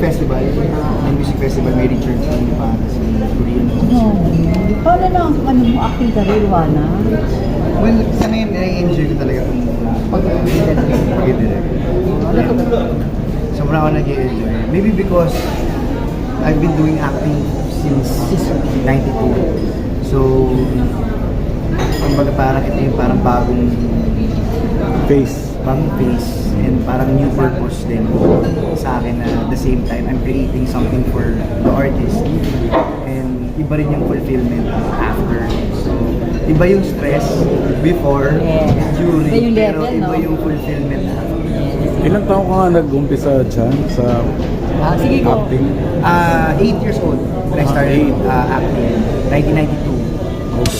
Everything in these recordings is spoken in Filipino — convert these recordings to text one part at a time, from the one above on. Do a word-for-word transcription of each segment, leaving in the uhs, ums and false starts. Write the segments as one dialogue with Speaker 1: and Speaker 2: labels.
Speaker 1: festival, may music festival, may Richard Lee pa, si Korean.
Speaker 2: No. Paano na ang ano mo, acting career, Wana?
Speaker 1: Well, sa ngayon, nai-enjoy ko talaga kung pag-direct. Sobrang ako nag-enjoy. Maybe because I've been doing acting since ninety-two. So, kumbaga parang ito yung parang bagong
Speaker 3: Face.
Speaker 1: bagong face and parang new purpose din sa akin na at the same time I'm creating something for the artist and iba rin yung fulfillment after. So, iba yung stress before,
Speaker 2: Yeah.
Speaker 1: during,
Speaker 2: Iba yung
Speaker 1: pero
Speaker 2: level,
Speaker 1: iba
Speaker 2: no?
Speaker 1: yung fulfillment after.
Speaker 3: Ilang taon ka nga nag-umpisa dyan sa
Speaker 2: Ah, sige ko.
Speaker 3: acting?
Speaker 1: Uh, eight years old when I started uh, acting, nineteen ninety-two.
Speaker 3: Okay.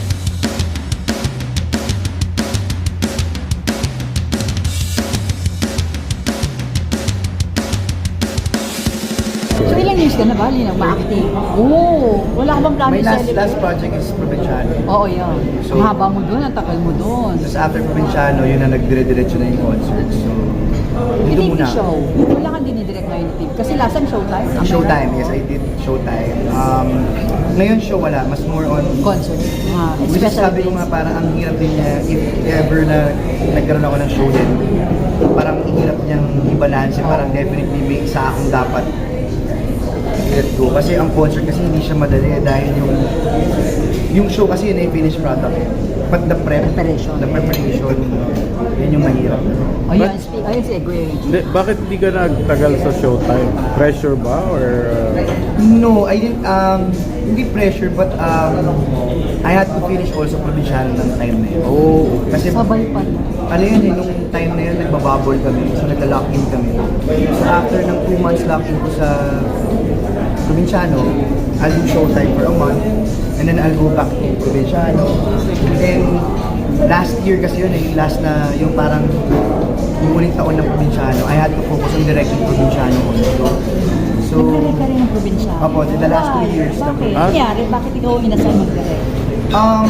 Speaker 2: So ilang years ka na ba, Lina, ma-acting? Oo, wala ka bang plano
Speaker 1: My last
Speaker 2: i-celebrate?
Speaker 1: last project is Provinciano.
Speaker 2: Oo, yan.
Speaker 1: So-
Speaker 2: Ang haba mo doon, ang tagal mo doon.
Speaker 1: Tapos after Provinciano, yun na nagdire-diretso na yung concert. So, dito
Speaker 2: Hindi
Speaker 1: muna.
Speaker 2: show. Wala kang dinidirect ngayon, Steve. Kasi last time Showtime. Am I
Speaker 1: Showtime,
Speaker 2: right?
Speaker 1: yes, I did Showtime. Um, ngayon show wala, mas more on
Speaker 2: Concert. Ah,
Speaker 1: which is
Speaker 2: special
Speaker 1: sabi ko
Speaker 2: days.
Speaker 1: nga parang ang hirap din niya if ever na nagkaroon ako ng show din. Parang hirap niyang i-balance, parang definitely may isa akong dapat let go. Kasi ang concert kasi hindi siya madali dahil yung yung show kasi yun ay finished product eh. But the prep,
Speaker 2: Preparation.
Speaker 1: the preparation, yun yung mahirap.
Speaker 2: Ayun, speak. Ayun si Egway.
Speaker 3: Hindi, bakit hindi ka nagtagal sa Showtime? Pressure ba? Or uh,
Speaker 1: No, I didn't, um, hindi pressure, but um, I had to finish also Provinciano ng time na yun.
Speaker 3: oh,
Speaker 1: Kasi,
Speaker 2: Sabay pa.
Speaker 1: ano yun eh, nung time na yun, nagbabubble kami, so nagla-lock in kami. So after ng two months lock in ko sa Provinciano, I'll do Showtime for a month, and then I'll go back to Provinciano. And last year kasi yun eh, yung last na, yung parang, yung uling taon ng Provinciano, I had to focus on directing Provinciano also. So,
Speaker 2: Nagdirect ka rin ng probinsya.
Speaker 1: Opo, in the last two years.
Speaker 2: Bakit?
Speaker 3: Ah?
Speaker 2: Nangyari? Bakit ikaw inasal mag-direct?
Speaker 1: Um,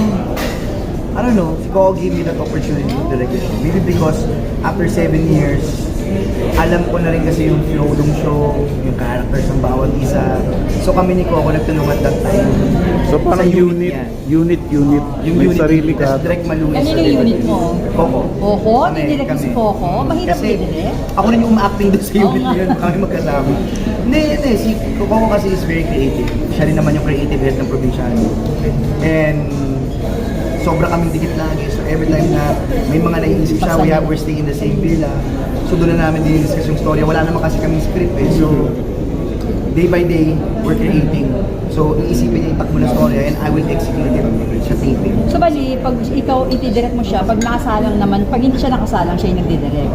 Speaker 1: I don't know, si Coco gave me that opportunity to direct the show. Maybe because after seven years, alam ko na rin kasi yung flow ng show, yung characters ng bawat isa. So kami ni Coco nagtulungan that time.
Speaker 3: so parang
Speaker 1: Sa unit
Speaker 3: unit,
Speaker 1: niya.
Speaker 3: unit, unit,
Speaker 1: Yung
Speaker 3: may
Speaker 1: unit,
Speaker 3: sarili ka.
Speaker 1: tas direct malunis.
Speaker 2: Kanino yung unit mo?
Speaker 1: Coco.
Speaker 2: Coco?
Speaker 1: Kami,
Speaker 2: Dinirect mo si
Speaker 1: kami.
Speaker 2: Coco? Mahirap
Speaker 1: Kasi
Speaker 2: i-direct?
Speaker 1: ako rin yung uma-acting doon sa
Speaker 2: Oo
Speaker 1: unit
Speaker 2: nga.
Speaker 1: na yun, kami magkasama. Hindi, hindi, si Coco kasi is very creative. Siya rin naman yung creative head ng Provinciano. And sobra kaming dikit lagi. So every time na may mga naiisip siya, we have, we're staying in the same villa. So doon na namin dinidiscuss yung story. Wala naman kasi kaming script eh. So day by day, we're creating. So iisipin niya itakbo na story and I will execute it sa taping.
Speaker 2: So bali, pag ikaw itidirect mo siya, pag nakasalang naman, pag hindi siya nakasalang, siya yung nagdidirect.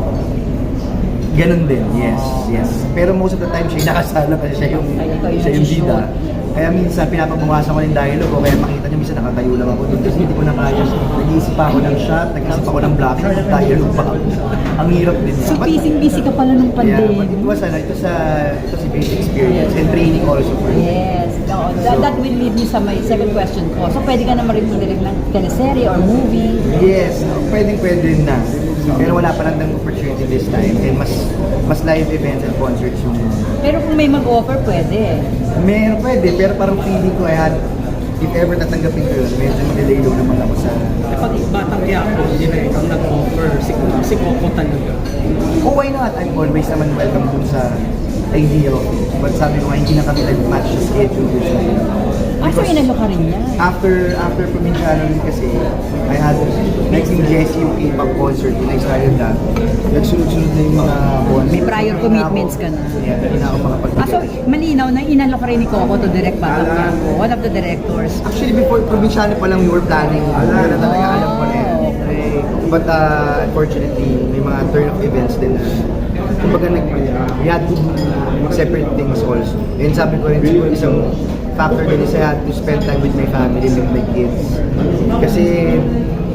Speaker 1: Ganun din, yes, yes. Pero most of the time siya yung nakasala kasi siya yung,
Speaker 2: Ay, ikaw yung
Speaker 1: siya yung
Speaker 2: nagsushoot.
Speaker 1: bida. Kaya minsan pinapabawasan ko ng dialogue o kaya makita niyo minsan nakatayo lang ako doon kasi hindi ko na kaya. Nag-iisip pa ako ng shot, nag-iisip ako ng blocking, ng dialogue pa ako. Ang hirap din.
Speaker 2: So
Speaker 1: But-
Speaker 2: busy-busy ka pala nung
Speaker 1: Yeah, but it
Speaker 2: pandemic.
Speaker 1: was ano, ito sa ito si basic experience and training also for me.
Speaker 2: Yes. No, that, that will lead me sa my second question ko. So pwede ka naman rin mag-direct ng teleserye or movie.
Speaker 1: Yes, pwedeng pwede na. Pero wala pa lang ng opportunity this time and mas mas live events and concerts yung
Speaker 2: Pero kung may mag-offer, pwede.
Speaker 1: meron pwede pero parang feeling ko I had if ever tatanggapin ko yun, medyo mag-delay low naman ako sa
Speaker 4: Pag batang Quiapo, direct ang nag-offer, si, si Coco talaga.
Speaker 1: oh why not? I'm always naman welcome dun sa idea of it. But sabi ko nga, hindi na kami nag-match sa schedule this time.
Speaker 2: Ah, so inalo ka rin yan.
Speaker 1: After after Provinciano rin kasi, I had next in Jessie yung K-pop concert when I started that. Nagsunod-sunod na yung mga concert.
Speaker 2: May prior commitments ka na.
Speaker 1: Yeah, hindi na ako
Speaker 2: Ah, so
Speaker 1: makapag-direct.
Speaker 2: malinaw na inalo ka rin ni Coco to direct Batang Quiapo, one of the directors.
Speaker 1: Actually, before Provinciano pa lang we were planning. Wala na talaga alam ko na yan.
Speaker 2: Okay.
Speaker 1: But uh, unfortunately, may mga turn of events din na kumbaga nag, we had to do separate things also. And sabi ko rin, siguro isang factor din is I had to spend time with my family, with my kids. Kasi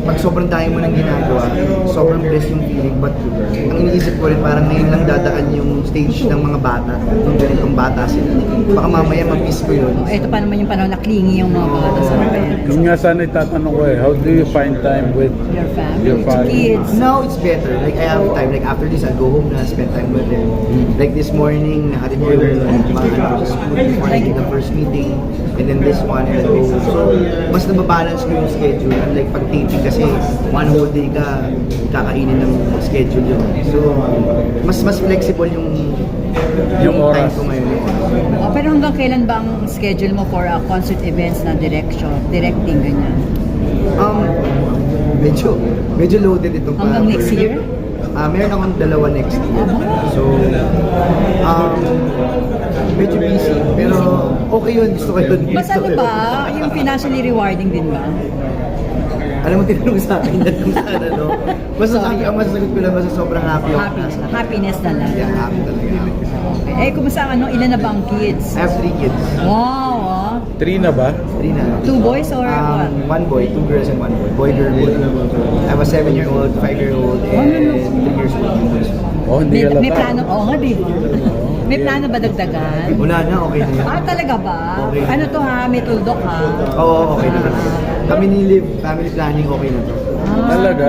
Speaker 1: pag sobrang dami mo nang ginagawa, sobrang blessed yung feeling. But ang iniisip ko rin, parang ngayon lang dadaan yung stage ng mga bata, yung ganitong bata sila. Baka mamaya mag-miss ko yun.
Speaker 2: Ito pa naman yung panahon na clingy yung mga bata sa parents.
Speaker 3: Yun nga sana itatanong ko eh, how do you find time with
Speaker 2: Your family,
Speaker 3: your family?
Speaker 2: kids.
Speaker 1: Now it's better. Like I have time. Like after this, I'll go home na spend time with them. Like this morning, nahatid ko yung mga ano sa school before I did the first meeting. And then this one, and then go home. So, mas nababalance ko yung schedule. Unlike pag taping kasi, one whole day ka, kakainin ng schedule yun. So, mas mas flexible yung
Speaker 3: Yung
Speaker 1: time
Speaker 3: oras.
Speaker 1: ko ngayon.
Speaker 2: Oh, pero hanggang kailan ba ang schedule mo for uh, concert events na direction, directing, ganyan?
Speaker 1: Um, medyo, medyo loaded itong
Speaker 2: Hanggang next year?
Speaker 1: Ah, meron akong dalawa next year. So, um, medyo busy. Pero okay yun, gusto ko yun.
Speaker 2: Mas
Speaker 1: Gusto
Speaker 2: ano
Speaker 1: ko yun.
Speaker 2: ba, yung financially rewarding din ba?
Speaker 1: Alam mo, tinanong sa akin na kung saan ano. Basta happy, ang masasagot ko lang, basta sobrang happy ako.
Speaker 2: Happy, happiness na lang.
Speaker 1: Yeah, happy talaga.
Speaker 2: Okay. Eh, kumusta ang ano, ilan na ba ang kids?
Speaker 1: I have three kids.
Speaker 2: Wow, ah.
Speaker 3: Three na ba?
Speaker 1: Three na.
Speaker 2: Two boys or what?
Speaker 1: Um, one boy, two girls and one boy. Boy, girl, boy. I have a seven-year-old, five-year-old, and three years old.
Speaker 3: Oh, hindi
Speaker 2: May,
Speaker 3: halata.
Speaker 2: may plano, oo nga, di ba? May plano ba dagdagan?
Speaker 1: Wala na, okay na yan.
Speaker 2: Ah, talaga ba?
Speaker 1: Okay.
Speaker 2: Ano to ha? May tuldok ha?
Speaker 1: Oo, okay na. Kami ni Liv, family planning, okay na to.
Speaker 3: Talaga?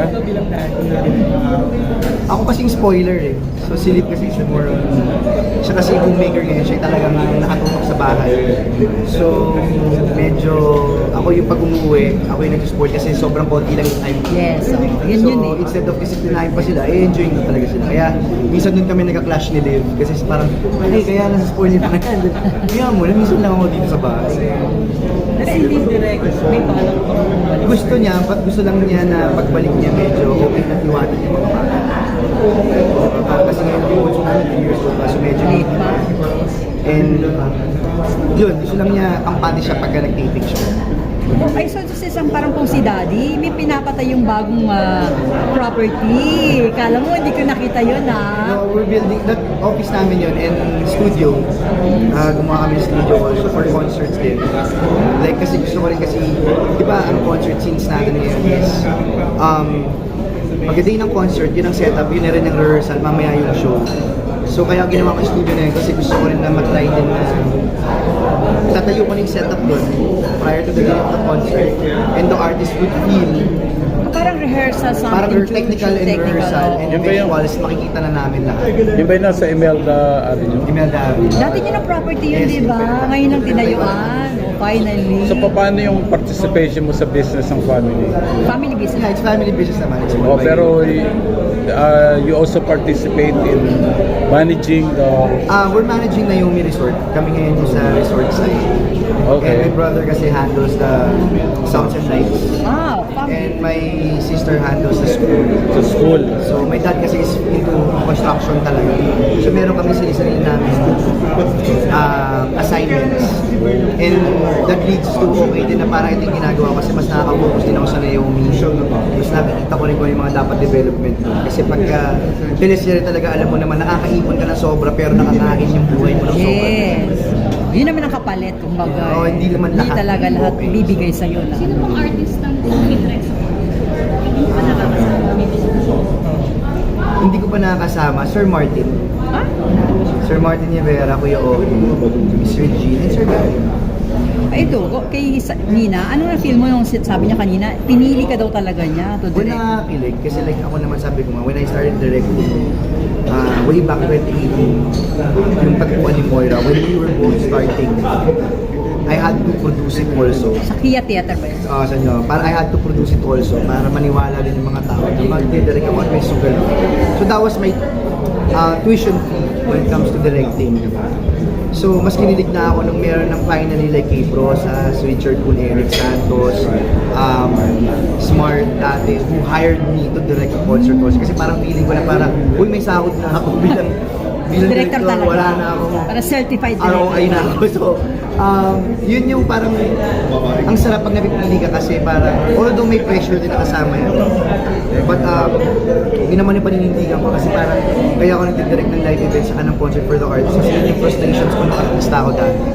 Speaker 1: Ako kasing spoiler eh. So si Liv kasi siya more on, siya kasi yung homemaker ngayon, siya talagang nakatutok sa bahay. So medyo, ako yung pag umuwi, ako yung nag-spoil kasi sobrang konti lang yung time.
Speaker 2: Yes, oh, yun
Speaker 1: so
Speaker 2: yun eh.
Speaker 1: instead of disiplinahin pa sila, eh enjoying ko talaga sila. Kaya minsan dun kami nagka-clash ni Liv kasi parang, ay kaya nasa spoil nila yan. Kaya mo, minsan lang ako dito sa bahay.
Speaker 4: Kasi hindi direct, may palang pang
Speaker 1: Gusto niya, pag gusto lang niya na pagbalik niya medyo okay na tiwanan yung mga bata. Uh, kasi ngayon yung bunso namin three years old, so medyo
Speaker 2: Late pa.
Speaker 1: And yun, gusto lang niya kampante siya pagka nag-taping siya.
Speaker 2: Oh, ay, so this isang parang kung si Daddy, may pinapatay yung bagong ah, property. Kala mo, hindi ko nakita yun ah.
Speaker 1: No, we're building, that office namin yun and studio. Uh, gumawa kami ng studio also for concerts din. Like kasi gusto ko rin kasi, di ba ang concert scenes natin ngayon is, um, pagdating ng concert, yun ang setup, yun na rin ang rehearsal, mamaya yung show. So kaya ginawa ko yung studio na yun kasi gusto ko rin na matry din na tatayo ko na yung setup doon prior to the day of the concert and the artist would feel
Speaker 2: Parang rehearsal, something.
Speaker 1: parang
Speaker 2: to-
Speaker 1: technical and
Speaker 2: technical,
Speaker 1: rehearsal
Speaker 2: oo.
Speaker 1: and
Speaker 3: Yun ba yung-
Speaker 1: visuals makikita na namin lahat.
Speaker 3: Yung ba yung nasa Imelda Avenue?
Speaker 1: Imelda Avenue.
Speaker 2: Dati yun ang property yun,
Speaker 1: Yes,
Speaker 2: di ba? Ngayon ang tinayuan. Oh, finally.
Speaker 3: So paano yung participation mo sa business ng family?
Speaker 2: Family business.
Speaker 1: Yeah, it's family business naman. It's
Speaker 3: Oh,
Speaker 1: owned by-
Speaker 3: pero uh, you also participate in managing the...
Speaker 1: Ah, we're managing na yung resort. Kami ngayon yung sa resort side.
Speaker 3: Okay.
Speaker 1: And my brother kasi handles the sounds and lights.
Speaker 2: Wow, family.
Speaker 1: And my sister handles the school.
Speaker 3: sa school.
Speaker 1: So my dad kasi is into construction talaga. So meron kami sarili-sarili namin uh, assignments. And that leads to okay din na parang ito yung ginagawa kasi mas nakaka-focus din ako sa Naomi. Mas nakikita ko rin kung yung mga dapat development. Kasi pagka teleserye talaga alam mo naman nakakaipon ka ng sobra pero nakakain yung buhay mo ng sobra.
Speaker 2: Yes. Yun naman ang kapalit, kumbaga.
Speaker 1: Oo, hindi naman lahat.
Speaker 2: talaga lahat
Speaker 1: Okay.
Speaker 2: bibigay sa'yo lahat.
Speaker 5: Sino pong artist ang Midrex? Hindi pa nakakasama.
Speaker 1: Hindi ko pa nakakasama, Sir Martin.
Speaker 2: Ha?
Speaker 1: Sir Martin Rivera, Kuya Oki, Miss Regine, and Sir Gary.
Speaker 2: Ay, ito, ko- kay Sa- Nina, ano na feel mo yung sit- sabi niya kanina, pinili ka daw talaga niya to
Speaker 1: When
Speaker 2: direct.
Speaker 1: nakakilig, kasi like ako naman sabi ko nga, when I started directing, uh, way back twenty eighteen, yung pagkuha ni Moira, when we were both starting, I had to produce it also.
Speaker 2: Sa Kia Theater ba yun?
Speaker 1: Uh, sa inyo, para I had to produce it also para maniwala din yung mga tao na mag-direct ako at may sugal. So that was my uh, tuition fee when it comes to directing. So mas kinilig na ako nung meron ng finally like kay Brosas, Richard Kun, Eric Santos, um, Smart dati, who hired me to direct a concert course. Kasi parang feeling ko na parang, uy may sahod na ako bilang bilang
Speaker 2: Director
Speaker 1: director,
Speaker 2: talaga.
Speaker 1: wala na ako.
Speaker 2: Para certified
Speaker 1: R O I
Speaker 2: director.
Speaker 1: na ako. So, um, yun yung parang, ang sarap pag napipili ka kasi parang, although may pressure din nakasama yun. But, um, yun naman yung paninindigan ko kasi parang, kaya ako nagdidirect ng live events saka ng concert for the arts. Kasi yun yung frustrations ko nung artista ako dati.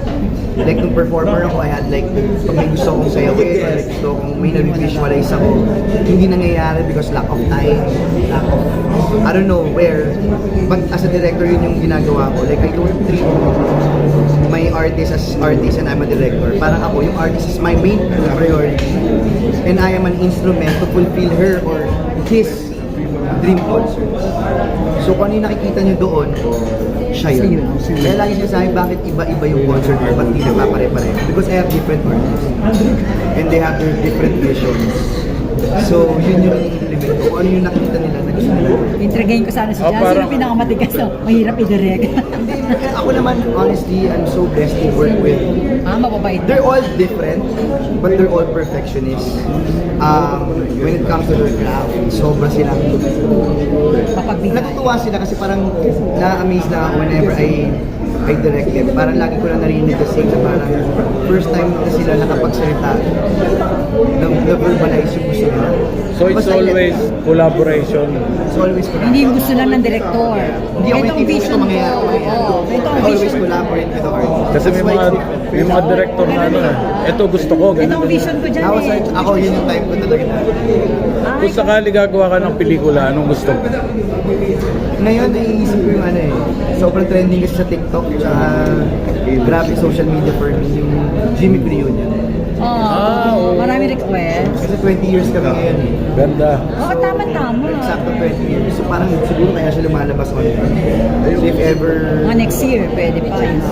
Speaker 1: like nung performer ako, I had like, pag may gusto kong sayawin, or like gusto kong may na-visualize ako, hindi nangyayari because lack of time, lack of, I don't know where. But as a director, yun yung ginagawa ko. Like, I don't treat my artist as artist and I'm a director. Parang ako, yung artist is my main priority. And I am an instrument to fulfill her or his dream concert. So kung ano yung nakikita nyo doon, siya yun. Kaya lagi sinasabi, bakit iba-iba yung concert mo, ba't di nagpapare-pareho? Because I have different artists. And they have their different visions. So yun yung i-implement ko. Kung ano yung nakita nila na gusto nila.
Speaker 2: Intragayin ko sana si
Speaker 3: Ah,
Speaker 2: Jan. Sino
Speaker 3: parang-
Speaker 2: pinakamatigas? No? Mahirap i-direct.
Speaker 1: Hindi, ako naman, honestly, I'm so blessed to work with.
Speaker 2: ah, mababait.
Speaker 1: They're all different, but they're all perfectionists. Um, when it comes to their craft, sobra silang
Speaker 2: Papagbigay.
Speaker 1: natutuwa sila kasi parang na-amaze na ako whenever I I direct them. Parang lagi ko lang narinig kasi na parang first time na sila nakapagsalita na na-verbalize yung gusto nila.
Speaker 3: So it's
Speaker 1: Basta
Speaker 3: always collaboration.
Speaker 1: It's always
Speaker 2: Hindi yung gusto lang ng director.
Speaker 1: Hindi ako
Speaker 2: Ito ang
Speaker 1: yung tipo
Speaker 2: vision
Speaker 1: ito
Speaker 2: ko.
Speaker 1: mangyayari.
Speaker 2: Oo, ito ang
Speaker 1: I always
Speaker 2: vision.
Speaker 1: collaborate with the artist.
Speaker 3: Kasi may
Speaker 1: That's why
Speaker 3: mga,
Speaker 1: it's-
Speaker 3: may mga director na ano, ito gusto ko,
Speaker 2: Ito
Speaker 3: ganun.
Speaker 2: ang vision ko dyan
Speaker 1: I was
Speaker 2: eh.
Speaker 1: like, ako yun yung time ko talaga na.
Speaker 2: Ay,
Speaker 3: Kung sakali gagawa ka ng pelikula, anong gusto mo?
Speaker 1: Ngayon, naiisip ko yung ano eh, sobrang trending kasi sa TikTok, tsaka grabe social media for me, yung Jimmy Reunion.
Speaker 3: Ah, oo.
Speaker 2: marami request.
Speaker 1: Kasi twenty years kami ngayon eh.
Speaker 3: Ganda.
Speaker 2: Oo, tama-tama.
Speaker 1: Exacto twenty years. So parang siguro kaya siya lumalabas on time. So if ever,
Speaker 2: Mga next year, pwede pa. Yun.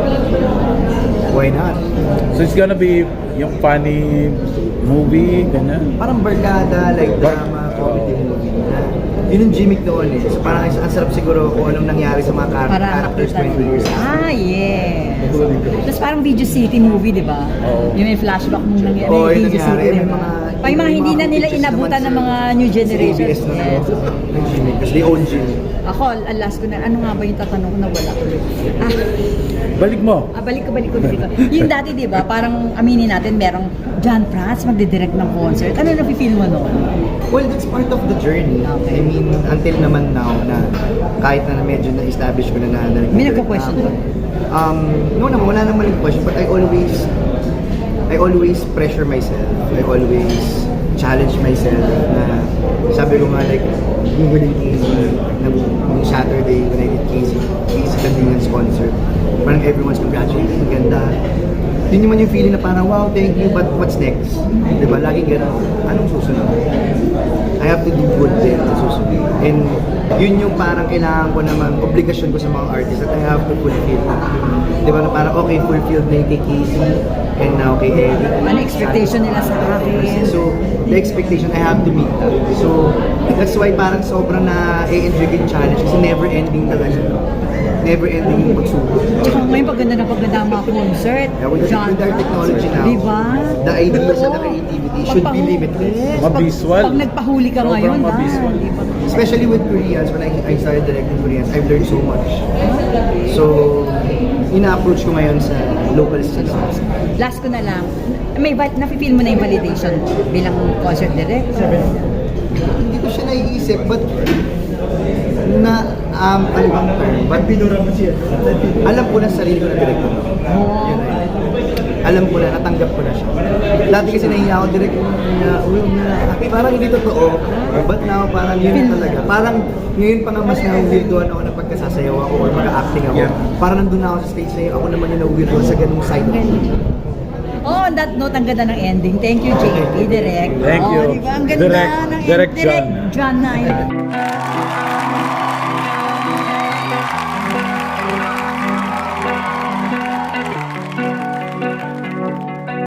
Speaker 1: why not?
Speaker 3: So it's gonna be yung funny movie, ganyan.
Speaker 1: Parang barkada, like drama, comedy movie. Na, yun yung gimmick noon eh. So parang ang sarap siguro kung anong nangyari sa mga char-
Speaker 2: Para
Speaker 1: characters
Speaker 2: makita.
Speaker 1: twenty years after.
Speaker 2: Ah, yeah. Tapos parang Video City movie, di ba?
Speaker 3: Oo.
Speaker 2: Yung may flashback nung nangyari.
Speaker 1: Oo,
Speaker 2: may
Speaker 1: yung
Speaker 2: Video
Speaker 1: nangyari.
Speaker 2: City,
Speaker 1: May
Speaker 2: di ba?
Speaker 1: mga-
Speaker 2: Pa yung mga
Speaker 1: may
Speaker 2: hindi
Speaker 1: mga
Speaker 2: na nila
Speaker 1: pictures
Speaker 2: inabutan ng
Speaker 1: naman
Speaker 2: mga
Speaker 1: sa-
Speaker 2: new
Speaker 1: sa A B
Speaker 2: generation.
Speaker 1: S na
Speaker 2: Yes.
Speaker 1: ng gimmick. Kasi they own gimmick.
Speaker 2: Ako, alas ko na, ano nga ba yung tatanong ko na wala ko? Ah,
Speaker 3: Balik mo.
Speaker 2: ah, balik ko, balik ko dito. Yung dati, di ba, parang aminin natin, merong John Prats magdidirect ng concert. Ano na feel mo noon?
Speaker 1: Well, that's part of the journey.
Speaker 2: Okay.
Speaker 1: I mean, until naman now na kahit na medyo na-establish ko na na na
Speaker 2: May nagka-question ba?
Speaker 1: Um, no naman, wala naman yung question, but I always, I always pressure myself. I always challenge myself na sabi ko nga like, yung huling Casey, nung nung Saturday when I did Casey, Casey Candingan's concert, parang everyone's congratulating, ang ganda. Yun naman yung feeling na parang, wow, thank you, but what's next? Diba? Laging gano'n, anong susunod? I have to do good din sa susunod. And yun yung parang kailangan ko naman, obligasyon ko sa mga artists that I have to fulfill. Diba na parang, okay, fulfilled na yung kay Casey, and now kay Eddie.
Speaker 2: Ano expectation nila sa akin?
Speaker 1: So, the expectation, I have to meet that. So, that's why parang sobrang na-enjoy yung challenge kasi never ending na ano. Never ending yung pagsubok.
Speaker 2: Tsaka ngayon, paganda na paganda ang mga concert.
Speaker 1: Yeah, with, the,
Speaker 2: John
Speaker 1: with our
Speaker 2: Prats.
Speaker 1: technology now,
Speaker 2: Diba?
Speaker 1: the ideas and the
Speaker 2: Oo.
Speaker 1: creativity should be limitless.
Speaker 2: Yes.
Speaker 3: Mabisual.
Speaker 2: Pag, pag nagpahuli ka
Speaker 3: Sobrang
Speaker 2: ngayon, ah,
Speaker 3: mabisual.
Speaker 2: di ba?
Speaker 1: Especially with Koreans, when I, I started directing Koreans, I've learned so much. So, ina-approach ko ngayon sa local scene.
Speaker 2: Last ko na lang, may val- nafe-feel mo na yung validation bilang concert director.
Speaker 1: Hindi ko siya naiisip, but na, um, ano bang term? But alam ko na sa sarili ko na director.
Speaker 2: Oo.
Speaker 1: Yun ay. Alam ko na, natanggap ko na siya. Dati kasi nahiya ako direct na, uy, na, parang hindi totoo. But now, parang yun na talaga. Parang ngayon pa nga mas na-weirdoan ako na pagkasasayaw ako or mag-acting ako. Parang nandun na ako sa stage na yun, ako naman yung na-weirdoan sa ganung side of me.
Speaker 2: Oh, on that note, ang ganda ng ending. Thank you, J P, Direct.
Speaker 3: Thank
Speaker 2: oh,
Speaker 3: you.
Speaker 2: Diba? Ang ganda
Speaker 3: Direct-
Speaker 2: ng
Speaker 3: Direct
Speaker 2: Direct
Speaker 3: John.
Speaker 2: John na yun.